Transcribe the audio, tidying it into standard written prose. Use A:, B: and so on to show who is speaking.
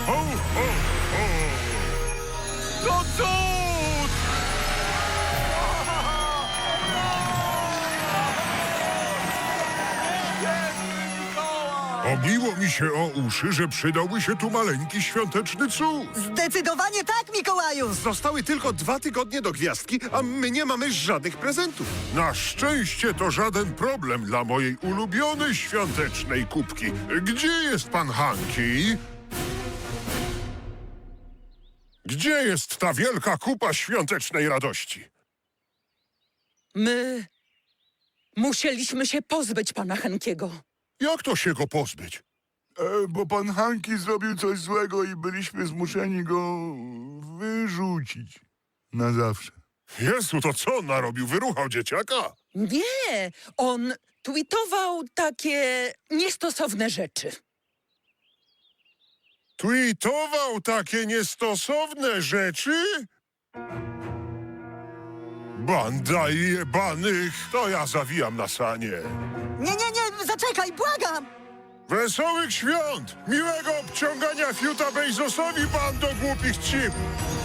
A: Ho, ho, ho! To cud! Obiło mi się o uszy, że przydałby się tu maleńki świąteczny cud.
B: Zdecydowanie tak, Mikołaju!
C: Zostały tylko 2 tygodnie do gwiazdki, a my nie mamy żadnych prezentów.
A: Na szczęście to żaden problem dla mojej ulubionej świątecznej kubki. Gdzie jest pan Hanki? Gdzie jest ta wielka kupa świątecznej radości?
D: My musieliśmy się pozbyć pana Henkiego.
A: Jak to się go pozbyć?
E: Bo pan Hanki zrobił coś złego i byliśmy zmuszeni go wyrzucić. Na zawsze.
A: Jezu, to co on narobił? Wyruchał dzieciaka?
D: Nie, on tweetował takie niestosowne rzeczy.
A: Tweetował takie niestosowne rzeczy? Banda jebanych, to ja zawijam na sanie.
B: Nie, zaczekaj, błagam!
A: Wesołych świąt! Miłego obciągania fiuta Bezosowi, bando głupich cip!